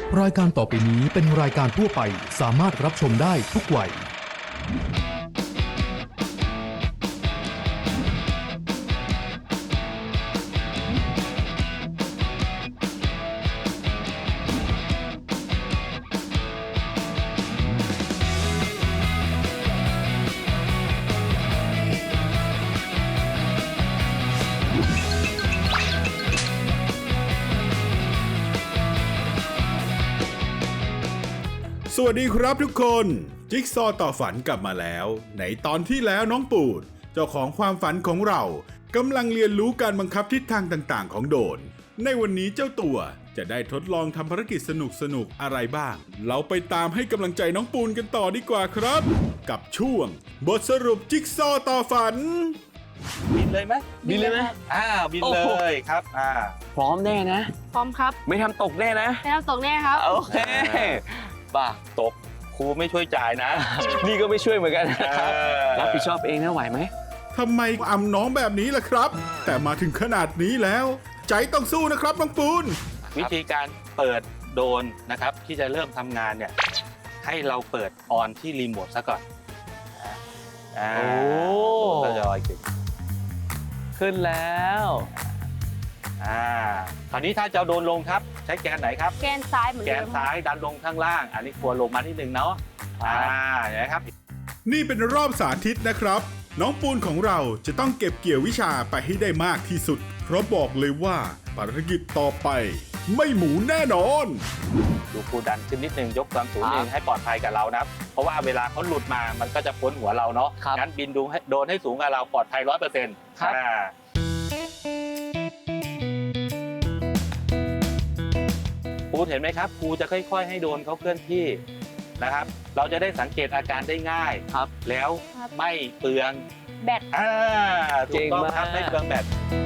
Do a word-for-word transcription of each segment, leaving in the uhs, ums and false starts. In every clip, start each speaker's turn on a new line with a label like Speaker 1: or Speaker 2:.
Speaker 1: รายการต่อไปนี้เป็นรายการทั่วไปสามารถรับชมได้ทุกวัย
Speaker 2: สวัสดีครับทุกคนจิ๊กซอว์ต่อฝันกลับมาแล้วในตอนที่แล้วน้องปูดเจ้าของความฝันของเรากำลังเรียนรู้การบังคับทิศทางต่างๆของโดรนในวันนี้เจ้าตัวจะได้ทดลองทำภารกิจสนุกๆอะไรบ้างเราไปตามให้กำลังใจน้องปูนกันต่อดีกว่าครับกับช่วงบทสรุปจิ๊กซอว์ต่อฝัน
Speaker 3: บินเลยไหม
Speaker 4: บินเลยไหม
Speaker 3: อ่าบินเลยครับอ่า
Speaker 4: พร้อมแน่นะ
Speaker 5: พร้อมครับ
Speaker 4: ไม่ทำตกแน่นะ
Speaker 5: ไม่ต้องตกแน่ครับ
Speaker 4: โอเคป่ะ
Speaker 3: ตกครูไม่ช่วยจ่ายนะ
Speaker 4: นี่ก็ไม่ช่วยเหมือนกันนะครับ
Speaker 3: เออ
Speaker 4: รับผิดชอบเองนะไหวไหม
Speaker 2: ทำไมอำน้องแบบนี้ล่ะครับแต่มาถึงขนาดนี้แล้วใจต้องสู้นะครับน้องปูน
Speaker 3: วิธีการเปิดโดรนนะครับที่จะเริ่มทำงานเนี่ยให้เราเปิดออนที่รีโมทซะก่อนอ่า
Speaker 4: โอ้
Speaker 3: ก็จะลอยขึ้น
Speaker 4: ขึ้นแล้ว
Speaker 3: อ่าคราวนี้ถ้าจะเอาโดรนลงครับใช้แกนไหนครับ
Speaker 5: แกนซ้ายเหมือน
Speaker 3: แก
Speaker 5: เดิ
Speaker 3: น
Speaker 5: ม
Speaker 3: ซ้ายดันลงข้างล่างอันนี้ควรลงมานิดนึงเนาะอ่าเห็นไหมครับ
Speaker 2: นี่เป็นรอบสาธิตนะครับน้องปูนของเราจะต้องเก็บเกี่ยววิชาไปให้ได้มากที่สุดเพราะบอกเลยว่าภารกิจต่อไปไม่หมูแน่นอน
Speaker 3: ดูครูดันขึ้นนิดนึงยกความสูง
Speaker 4: ครับ
Speaker 3: นิดนึงให้ปลอดภัยกับเรานะครับ เพราะว่าเวลาเขาหลุดมามันก็จะพ้นหัวเราเนาะ
Speaker 4: ครับ
Speaker 3: งั้นบินดูให้โดนให้สูงกับเราปลอดภัยร้อยเปอร์เซ็นต์
Speaker 4: ครับ
Speaker 3: ครูเห็นไหมครับครูจะค่อยๆ ให้โดนเขาเคลื่อนที่นะครับ เราจะได้สังเกตอาการได้ง่าย
Speaker 4: ครับ
Speaker 3: แล้วไม่เปลือง
Speaker 5: แบต
Speaker 3: อ่าถูกต้องครับ
Speaker 4: เก่งมาก
Speaker 3: ไม่เปลืองแบต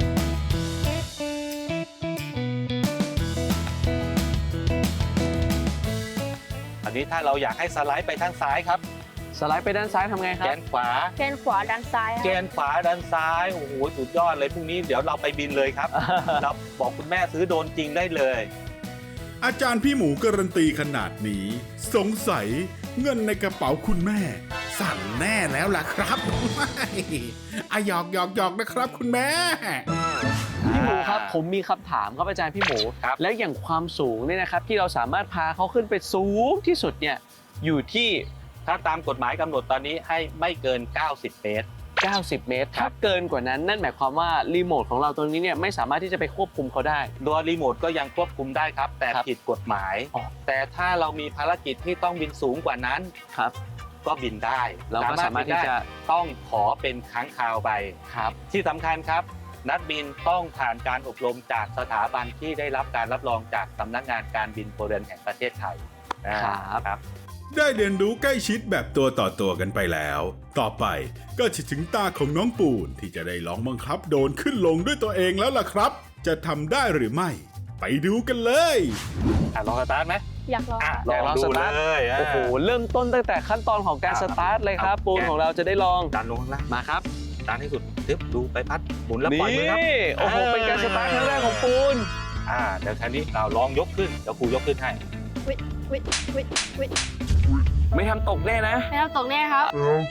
Speaker 3: อันนี้ถ้าเราอยากให้สไลด์ไปทางซ้ายครับ
Speaker 4: สไลด์ไปด้านซ้ายทำไงครั
Speaker 3: แก
Speaker 4: บ
Speaker 3: นขวา
Speaker 5: แกนขวาด้านซ้ายค
Speaker 3: แก
Speaker 5: รับ
Speaker 3: นขวาด้านซ้ายโอ้โหสุดยอดเลยพรุ่งนี้เดี๋ยวเราไปบินเลยครับ เราบอกคุณแม่ซื้อโดรนจริงได้เลย
Speaker 2: อาจารย์พี่หมูการันตีขนาดนี้ สงสัยเงินในกระเป๋าคุณแม่ สั่นแน่แล้วล่ะครับ อะหยอกหยอกหยอกนะครับคุณแม่
Speaker 4: พี่หมูครับผมมีคำถามครับอาจารย์พี่หมู
Speaker 3: ครับ
Speaker 4: แล้วอย่างความสูงเนี่ยนะครับที่เราสามารถพาเขาขึ้นไปสูงที่สุดเนี่ยอยู่ที่
Speaker 3: ถ้าตามกฎหมายกำหนดตอนนี้ให้ไม่เกินเก้าสิบเมตร
Speaker 4: เก้าสิบเมตร
Speaker 3: ครั
Speaker 4: ถ้า
Speaker 3: บ
Speaker 4: เกินกว่านั้นนั่นหมายความว่ารีโมทของเราตรงนี้เนี่ยไม่สามารถที่จะไปควบคุมเขาได้
Speaker 3: ตัวรีโมทก็ยังควบคุมได้ครับ แต่
Speaker 4: ครับ
Speaker 3: ผิดกฎหมาย
Speaker 4: อ๋อ
Speaker 3: แต่ถ้าเรามีภารกิจที่ต้องบินสูงกว่านั้น
Speaker 4: ครับ
Speaker 3: ก็บินได้
Speaker 4: เราก็สามารถที่จะ
Speaker 3: บินได้ต้องขอเป็นครั้งคราวไป
Speaker 4: ครับ
Speaker 3: ที่สำคัญครับ นักบินต้องผ่านการอบรมจากสถาบันที่ได้รับการรับรองจากสำนักงานการบินพลเรือนแห่งประเทศไทยอ่า
Speaker 4: ครับ
Speaker 3: ครับ
Speaker 2: ได้เรียนรู้ใกล้ชิดแบบตัวต่อตัวกันไปแล้ว ต่อไปก็จะถึงตาของน้องปูนที่จะได้ลองบังคับโดรนขึ้นลงด้วยตัวเองแล้วล่ะครับ จะทำได้หรือไม่ ไปดูกันเลย
Speaker 3: อ่ะลองสตาร์ทไหม
Speaker 5: อยากลอง
Speaker 3: อ่ะ
Speaker 4: ลอง
Speaker 3: ลองดู
Speaker 4: สตาร์ท
Speaker 3: เลยอ่ะ
Speaker 4: โอ้โหเริ่มต้นตั้งแต่ขั้นตอนของการ
Speaker 3: อ่า
Speaker 4: สตาร์ทเลยครับ
Speaker 3: เอา
Speaker 4: ปูน
Speaker 3: แกะ
Speaker 4: ของเราจะได้ลอง
Speaker 3: ดันลงข้างล่าง
Speaker 4: มาครับ
Speaker 3: ดันให้สุดทึบดูไปพัดหมุนแล้ว
Speaker 4: นี่
Speaker 3: ปล่อยมือครับ
Speaker 4: โอ้โห
Speaker 3: เออ
Speaker 4: เป็นการสตาร์ทครั้งแรกของปูน
Speaker 3: อ่าเดี๋ยวทีนี้เราลองยกขึ้นเดี๋ยวครูยกขึ้นให้
Speaker 5: วิวิวิวิ
Speaker 4: ไม่ทำตกแน่นะ
Speaker 5: ไม่ต้องตกแน่ครับ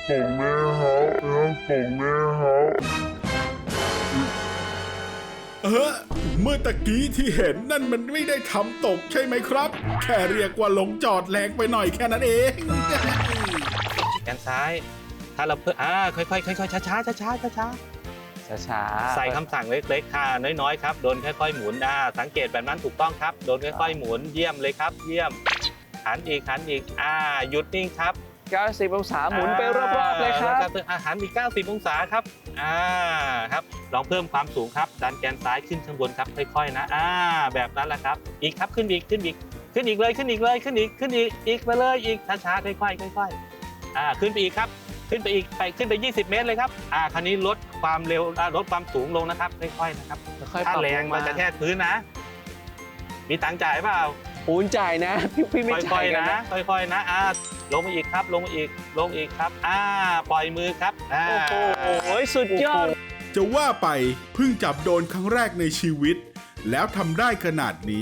Speaker 2: เออเมื่อตะกี้ที่เห็นนั่นมันไม่ได้ทำตกใช่ไหมครับ แค่เรียกว่าลงจอดแรงไปหน่อยแค่นั้นเอง
Speaker 3: แขนซ้าย ถ้าเราเพิ่มอ่าค่อยๆค่อยๆช้าๆช้าๆช้าๆช้า
Speaker 4: ช้า
Speaker 3: ๆ
Speaker 4: ๆ
Speaker 3: ใส่คำสั่งเล็กๆค่ะน้อยๆครับโดนค่อยๆหมุนอ่าสังเกตแบบนั้นถูกต้องครับโดนค่อยๆหมุนเยี่ยมเลยครับ เยี่ยมหันอีกหันอีกอ่าหยุดนิ่งครับ
Speaker 4: เก้าสิบองศาหมุนไปรอบๆเลยครับ
Speaker 3: แล้วก็อาหารอีกเก้าสิบองศาครับอ่าครับลองเพิ่มความสูงครับดันแกนซ้ายขึ้นข้างบนครับค่อยๆนะอ่าแบบนั้นแหละครับอีกครับขึ้นอีกขึ้นอีกขึ้นอีกเลยขึ้นอีกเลยขึ้นอีกขึ้นอีกอีกไปเลยอีกช้าๆค่อยๆค่อยๆอ่าขึ้นไปอีกครับขึ้นไปอีกไปขึ้นไปยี่สิบเมตรเลยครับอ่าคราวนี้ลดความเร็วอ่าลดความสูงลงนะครับค่อยๆนะครับ
Speaker 4: ค่อยๆป
Speaker 3: ถ้า
Speaker 4: รับ
Speaker 3: แรง
Speaker 4: ล
Speaker 3: มันจะแทกพื้นนะ มีตังค์จ่ายเปล่า
Speaker 4: ปูนจ่ายนะ พี่พี่ไม่
Speaker 3: ค่
Speaker 4: จ่า
Speaker 3: อย ย
Speaker 4: กัน
Speaker 3: ๆนะ
Speaker 4: นะ
Speaker 3: ค่อยๆนะอ่าลงมาอีกครับลงมาอีกลงอีกครับอ่าปล่อยมือครับอ่า
Speaker 4: โอ้โหสุดยอด
Speaker 2: จะว่าไปเพิ่งจับโดรนครั้งแรกในชีวิต แล้วทำได้ขนาดนี้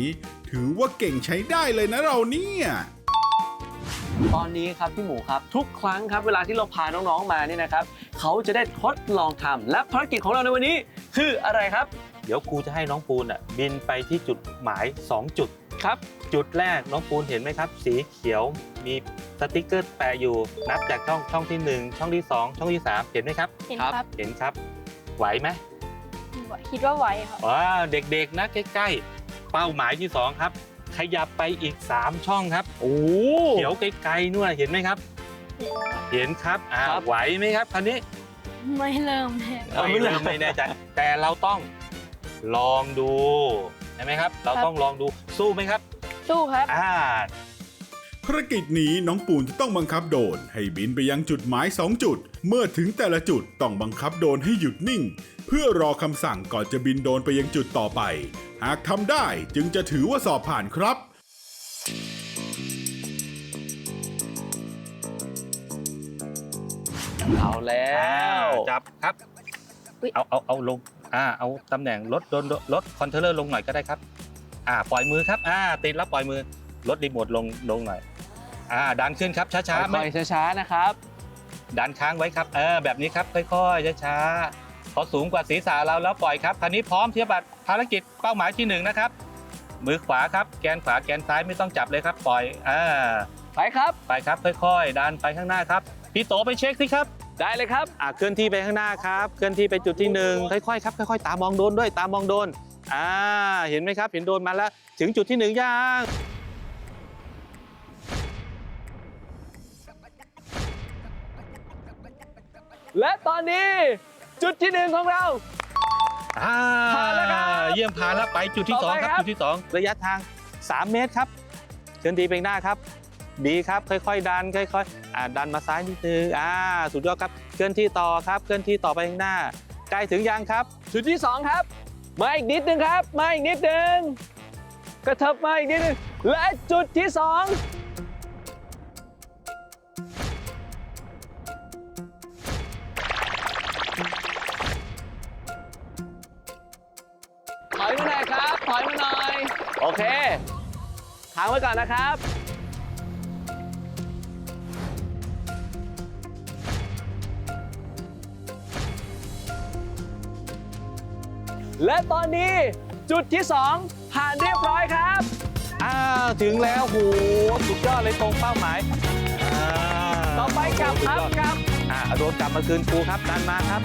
Speaker 2: ถือว่าเก่งใช้ได้เลยนะเราเนี่ย
Speaker 4: ตอนนี้ครับพี่หมูครับทุกครั้งครับเวลาที่เราพาน้องๆมาเนี่ยนะครับเขาจะได้ทดลองทำและภารกิจของเราในวันนี้คืออะไรครับ
Speaker 3: เดี๋ยวครูจะให้น้องปูนอ่ะบินไปที่จุดหมายสองจุด
Speaker 4: ครับ
Speaker 3: จุดแรกน้องปูนเห็นไหมครับ สีเขียวมีสติกเกอร์แปะอยู่นับจากช่องช่องที่หนึ่งช่องที่สองช่องที่สามเห็นไหมครับ
Speaker 5: เห็น
Speaker 4: ครับ
Speaker 5: ครับ
Speaker 3: เห็นครับไหวไหม
Speaker 5: คิดว่าไหวครับ
Speaker 3: ว้าเด็กๆนะใกล้ๆเป้าหมายที่สองครับ ขยับไปอีกสามช่องครับ
Speaker 4: โอ้
Speaker 3: เขียวไกลๆนู่นเห็นไหมครับ
Speaker 5: เห็นครับ
Speaker 3: เห็นครับอ่า
Speaker 4: ครับ
Speaker 3: ไหวไหมครับคราวนี้
Speaker 5: ไม่เริ่มแน่
Speaker 3: ไม่เริ่มไม่แน่ใจแต่เราต้องลองดูใช่ไหมครับ เราต้องลองดูสู้ไหมครับ
Speaker 5: สู้ครับ
Speaker 3: อ่า
Speaker 2: ภารกิจนี้น้องปูนจะต้องบังคับโดรนให้บินไปยังจุดหมายสองจุด เมื่อถึงแต่ละจุดต้องบังคับโดรนให้หยุดนิ่ง เพื่อรอคำสั่งก่อนจะบินโดรนไปยังจุดต่อไป หากทำได้จึงจะถือว่าสอบผ่านครับ
Speaker 4: เอาแล้ว
Speaker 3: จับครับ
Speaker 5: อุ๊ย
Speaker 3: เอาเอาเอาลงอ่าเอาตำแหน่งลดโดนลดคอนโทรลเลอร์ลงหน่อยก็ได้ครับอ่าปล่อยมือครับอ่าติดแล้วปล่อยมือลดรีโมทลงลงหน่อยอ่าดันขึ้นครับช้าๆ
Speaker 4: ค่
Speaker 3: ไม่
Speaker 4: อยๆช้าๆนะครับ
Speaker 3: ดันค้างไว้ครับเออแบบนี้ครับค่อยๆช้าๆพอสูงกว่าศีรษะเราแล้วปล่อยครับคราวนี้พร้อมเทียบบัตรภารกิจเป้าหมายที่หนึ่งนะครับมือขวาครับแกนขวาแกนซ้ายไม่ต้องจับเลยครับปล่อยอ่า
Speaker 4: ไปครับ
Speaker 3: ไปครับค่อยๆดันไปข้างหน้าครับพี่โตไปเช็คสิครับ
Speaker 4: ได้เลยครับ
Speaker 3: อ่ะเคลื่อนที่ไปข้างหน้าครับเคลื่อนที่ไปจุดที่หนึ่งค่อยๆครับค่อยๆตามองโดนด้วยตามองโดนอ่าเห็นไหมครับเห็นโดนมาแล้วถึงจุดที่หนึ่งยัง
Speaker 4: และตอนนี้จุดที่หนึ่งของเรา
Speaker 3: อ่า
Speaker 4: ผ่านแล้วครับ
Speaker 3: เยี่ยมผ่านแล้วไปจุดที่สอง
Speaker 4: ต่อไป
Speaker 3: ครับ
Speaker 4: ครับ
Speaker 3: จุดที่สองระยะทางสามเมตรครับเคลื่อนที่ไปข้างหน้าครับดีครับค่อยๆดันค่อยๆอ่าดันมาซ้ายนิดนึงอ่าสุดยอดครับเคลื่อนที่ต่อครับเคลื่อนที่ต่อไปข้างหน้าใกล้ถึงยังครับ
Speaker 4: จุดที่สองครับ มาอีกนิดนึงครับ มาอีกนิดนึงกระเถิบมาอีกนิดนึงและจุดที่สองถอยมาหน่อยครับถอยมาหน่อยโอเคค้างไว้ก่อนนะครับ และตอนนี้จุดที่สองผ่านเรียบร้อยครับ
Speaker 3: อ้าวถึงแล้วโหสุดยอดเลยตรงเป้าหมายอ่า
Speaker 4: ต่อไปกลับครับ
Speaker 3: สุดยอด
Speaker 4: กลับ
Speaker 3: อ่าโดนกลับมาคืนครูครับดันมาครับ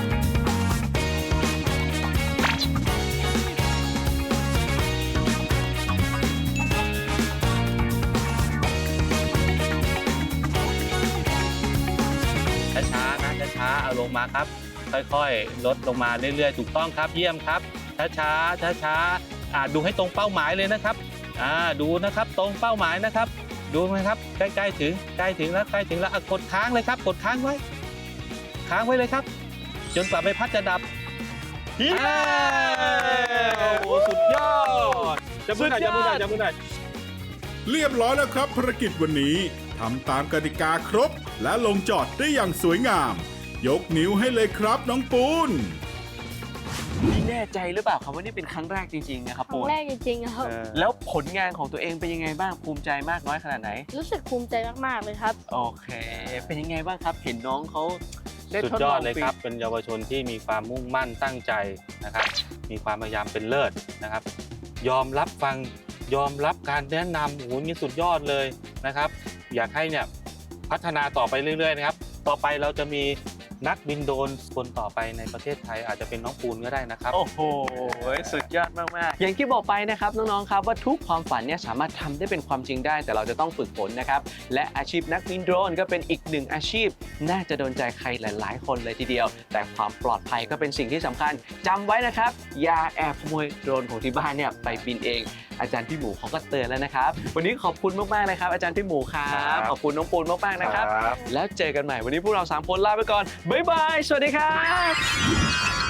Speaker 3: ช้าๆนะช้าๆเอาลงมาครับ ค่อยๆ ลดลงมาเรื่อยๆ ถูกต้องครับ เยี่ยมครับ ช้าๆ ช้าๆอ่าดูให้ตรงเป้าหมายเลยนะครับอ่าดูนะครับตรงเป้าหมายนะครับ ดูไหมครับ ใกล้ๆถึง ใกล้ถึงแล้วใกล้ถึงแล้วอ่ะกดค้างเลยครับ กดค้างไว้ ค้างไว้เลยครับ จนกว่าใบพัดจะดับอ้าวโอ้โหสุดยอดจะมือหน่อยจะมือหน่อยจะมือหน่อย
Speaker 2: เรียบร้อยแล้วครับภารกิจวันนี้ทำตามกติกาครบ และลงจอดได้อย่างสวยงาม ยกนิ้วให้เลยครับน้องปูน
Speaker 4: นี่แน่ใจหรือเปล่าครับว่านี่เป็นครั้งแรกจริงๆนะครับ
Speaker 5: ครั้
Speaker 4: ปู
Speaker 5: ง
Speaker 4: น
Speaker 5: แรกจริงๆครับ
Speaker 4: แล้วผลงานของตัวเองเป็นยังไงบ้างภูมิใจมากน้อยขนาดไหน
Speaker 5: รู้สึกภูมิใจมากๆเลยครับ
Speaker 4: โอเค เป็นยังไงบ้างครับ เห็นน้องเขาได้
Speaker 3: สุด
Speaker 4: ทด
Speaker 3: ย
Speaker 4: ล
Speaker 3: อ
Speaker 4: อ
Speaker 3: ด
Speaker 4: ง
Speaker 3: เลยครับ เป็นเยาวชนที่มีความมุ่งมั่นตั้งใจนะครับ มีความพยายามเป็นเลิศนะครับ ยอมรับฟัง ยอมรับการแนะนำโอ้โหนี่สุดยอดเลยนะครับ อยากให้เนี่ยพัฒนาต่อไปเรื่อยๆนะครับ ต่อไปเราจะมีนักบินโดรนคนต่อไปในประเทศไทยอาจจะเป็นน้องปูนก็ได้นะครับ
Speaker 4: โอ้โห สุดยอดมากๆ อย่างที่บอกไปนะครับน้องๆ ครับว่าทุกความฝันเนี่ยสามารถทำได้เป็นความจริงได้ แต่เราจะต้องฝึกฝนนะครับ และอาชีพนักบินโดรนก็เป็นอีกหนึ่งอาชีพ น่าจะโดนใจใครหลาย ๆ คนเลยทีเดียว แต่ความปลอดภัยก็เป็นสิ่งที่สำคัญจำไว้นะครับ อย่าแอบขโมยโดรนของที่บ้านเนี่ยไปบินเอง อาจารย์พี่หมูเขาก็เตือนแล้วนะครับ วันนี้ขอบคุณมากๆเลยครับอาจารย์พี่หมูครับ
Speaker 3: ครับ
Speaker 4: ขอบคุณน้องปูนมากๆนะครับ
Speaker 3: ครับ
Speaker 4: แล้วเจอกันใหม่วันนี้พวกเราสามคนลาไปก่อนบ๊ายบายสวัสดีครับ